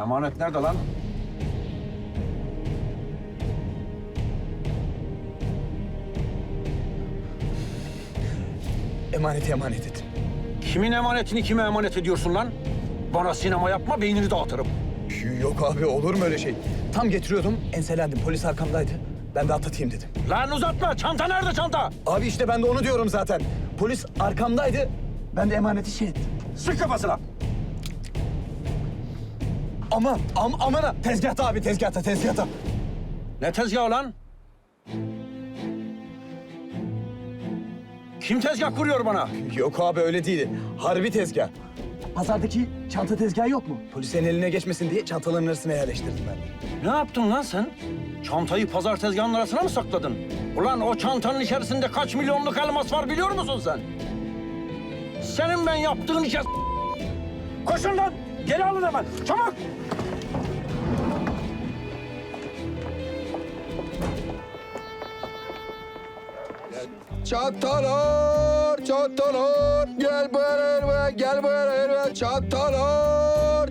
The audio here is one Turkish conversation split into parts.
Emanet nerede lan? Emaneti emanet et. Kimin emanetini kime emanet ediyorsun lan? Bana sinema yapma, beynini dağıtırım. Yok abi, olur mu öyle şey? Tam getiriyordum, enselendim. Polis arkamdaydı. Ben de atlatayım dedim. Lan uzatma, çanta nerede çanta? Abi işte ben de onu diyorum zaten. Polis arkamdaydı. Ben de emaneti şey ettim. Sık kafasına. Aman ha. Tezgahta abi, tezgahta. Ne tezgahı lan? Kim tezgah kuruyor bana? Yok abi, öyle değil. Harbi tezgah. Pazardaki çanta tezgahı yok mu? Polisin eline geçmesin diye çantaların arasına yerleştirdim ben. Ne yaptın lan sen? Çantayı pazar tezgahının arasına mı sakladın? Ulan o çantanın içerisinde kaç milyonluk elmas var biliyor musun sen? Senin ben yaptığın işe... Koşun lan! Geri alın hemen, çabuk! Çantalar, gel beraber, gel beraber, çantalar.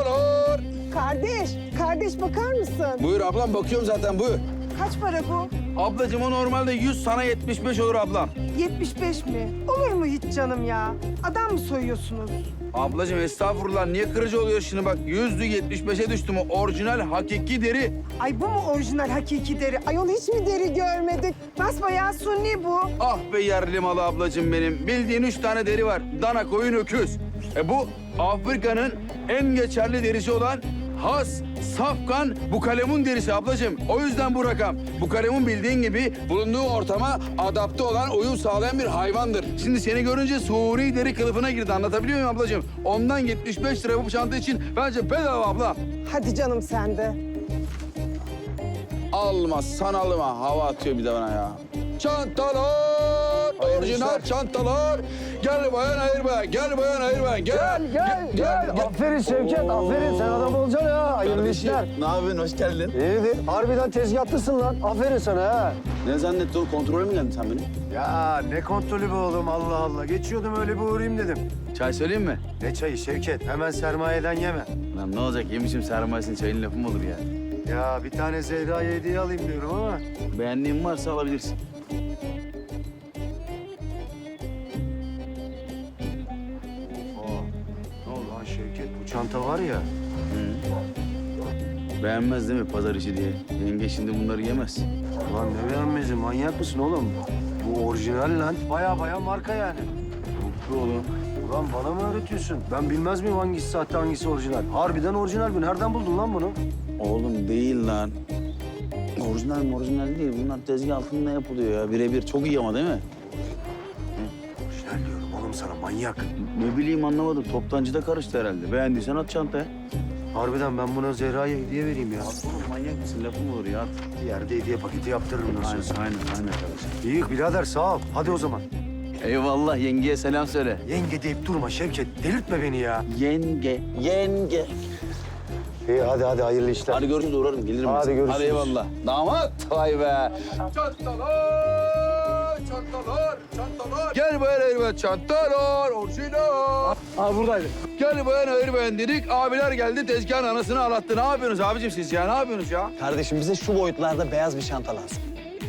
Kardeş bakar mısın? Buyur ablam, bakıyorum zaten, buyur. Kaç para bu? Ablacığım o normalde 100, sana 75 olur ablam. 75 mi? Olur mu hiç canım ya? Adam mı soyuyorsunuz? Ablacığım estağfurullah, niye kırıcı oluyor şimdi bak, 100'lü 75'e düştü mü? Orijinal, hakiki deri. Ay bu mu orijinal hakiki deri? Ayol hiç mi deri görmedik? Basbayağı sunni bu. Ah be yerli malı ablacığım benim. Bildiğin 3 tane deri var. Dana, koyun, öküz. Bu Afrika'nın en geçerli derisi olan has, safkan bukalemun derisi ablacığım. O yüzden bu rakam. Bukalemun bildiğin gibi bulunduğu ortama adapte olan, uyum sağlayan bir hayvandır. Şimdi seni görünce suri deri kılıfına girdi. Anlatabiliyor muyum ablacığım? Ondan 75 lira bu çanta için bence bedava abla. Hadi canım sen de. Alma, sanalıma. Hava atıyor bir de bana ya. Çantalar, orijinal çantalar. Gel bayan ayırma, gel bayan ayırma. Gel. Aferin Şevket, aferin. Sen adam olacaksın ha. Hayırlı işler. Ne yapıyorsun? Hoş geldin. İyidir. Harbiden tezgahlısın lan. Aferin sana ha. Ne zannettin oğlum? Kontrole mi geldin sen benim? Ya ne kontrolü be oğlum, Allah Allah. Geçiyordum öyle bir uğrayayım dedim. Çay söyleyeyim mi? Ne çayı Şevket? Hemen sermayeden yeme. Lan ne olacak? Yemişim sermayesini, çayın lafı mı olur ya? Ya bir tane Zehra'ya hediye alayım diyorum ama. Beğendiğin varsa alabilirsin. Ne oldu lan Şevket? Bu çanta var ya. Beğenmez değil mi pazar işi diye? Yenge şimdi bunları yemez. Lan ne beğenmezi? Manyak mısın oğlum? Bu orijinal lan. Baya marka yani. Mutlu oğlum. Ulan bana mı öğretiyorsun? Ben bilmez miyim hangisi sahte hangisi orijinal? Harbiden orijinal bu. Nereden buldun lan bunu? Oğlum değil lan. Orijinal değil. Bunlar tezgah altında yapılıyor ya. Birebir. Çok iyi ama değil mi? Orijinal diyorum oğlum sana, manyak. Ne bileyim, anlamadım. Toptancıda karıştı herhalde. Beğendiysen at çantaya. Harbiden ben buna Zehra'ya hediye vereyim ya. Oğlum manyak mısın? Lafı mı olur ya? At. Bir yerde hediye paketi yaptırırım nasıl olsa. Aynen kardeşim. İyi birader, sağ ol. Hadi o zaman. Eyvallah, yengeye selam söyle. Yenge deyip durma Şevket. Delirtme beni ya. Yenge. İyi hadi hayırlı işler. Hadi görüşürüz, uğrarım. Gelirim. Hadi ben. görüşürüz. Hadi eyvallah. Damat. Vay be. Çantalar. Gel bayan ayırma, çantalar, orijinal. Aa buradaydı. Gel bayan ayırmayın dedik. Abiler geldi, tezgahın anasını ağlattı. Ne yapıyorsunuz abicim siz ya? Ne yapıyorsunuz ya? Kardeşim bize şu boyutlarda beyaz bir çanta lazım.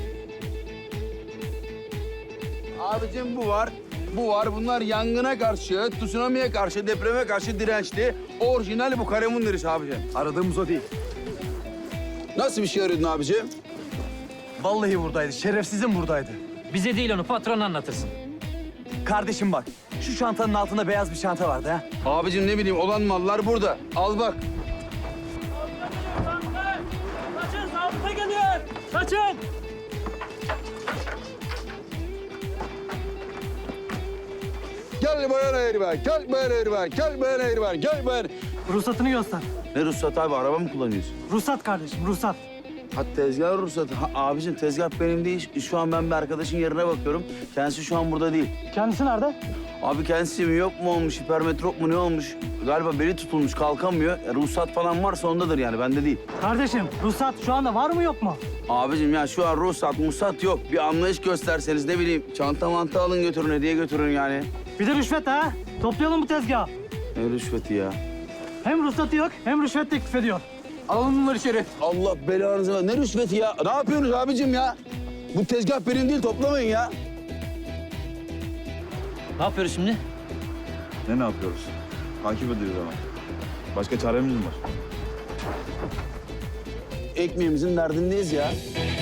Abicim bu var. Bunlar yangına karşı, tsunami'ye karşı, depreme karşı dirençli. Orijinal bu kalemun derisi abicim. Aradığımız o değil. Nasıl bir şey arıyordun abicim? Vallahi buradaydı. Şerefsizim buradaydı. Bize değil onu patron anlatırsın. Kardeşim bak, şu çantanın altında beyaz bir çanta vardı ha. Abicim ne bileyim, olan mallar burada. Al bak. Kaçın, zabıta geliyor. Kaçın. Gel bayan ayırma, gel bayan ayırma, gel bayan ayırma, gel bayan... Ruhsatını göster. Ne ruhsat abi? Araba mı kullanıyorsun? Ruhsat kardeşim, ruhsat. Ha tezgah ruhsatı. Ha, abicim tezgah benim değil. Şu an ben bir arkadaşın yerine bakıyorum. Kendisi şu an burada değil. Kendisi nerede? Abi kendisi mi yok mu olmuş, hipermetrop mu ne olmuş? Galiba beli tutulmuş, kalkamıyor. Ruhsat falan varsa ondadır yani, bende değil. Kardeşim, ruhsat şu anda var mı yok mu? Abicim ya şu an ruhsat yok. Bir anlayış gösterseniz, ne bileyim, çanta mantı alın götürün, hediye götürün yani. Bir de rüşvet ha. Toplayalım bu tezgahı. Ne rüşveti ya? Hem ruhsatı yok hem rüşvet teklif ediyor. Alalım bunları içeri. Allah belanızı ver. Ne rüşveti ya? Ne yapıyorsunuz abicim ya? Bu tezgah benim değil, toplamayın ya. Ne yapıyoruz şimdi? Ne yapıyoruz? Takip ediyoruz ama. Başka çaremiz mi var? Ekmeğimizin derdindeyiz ya.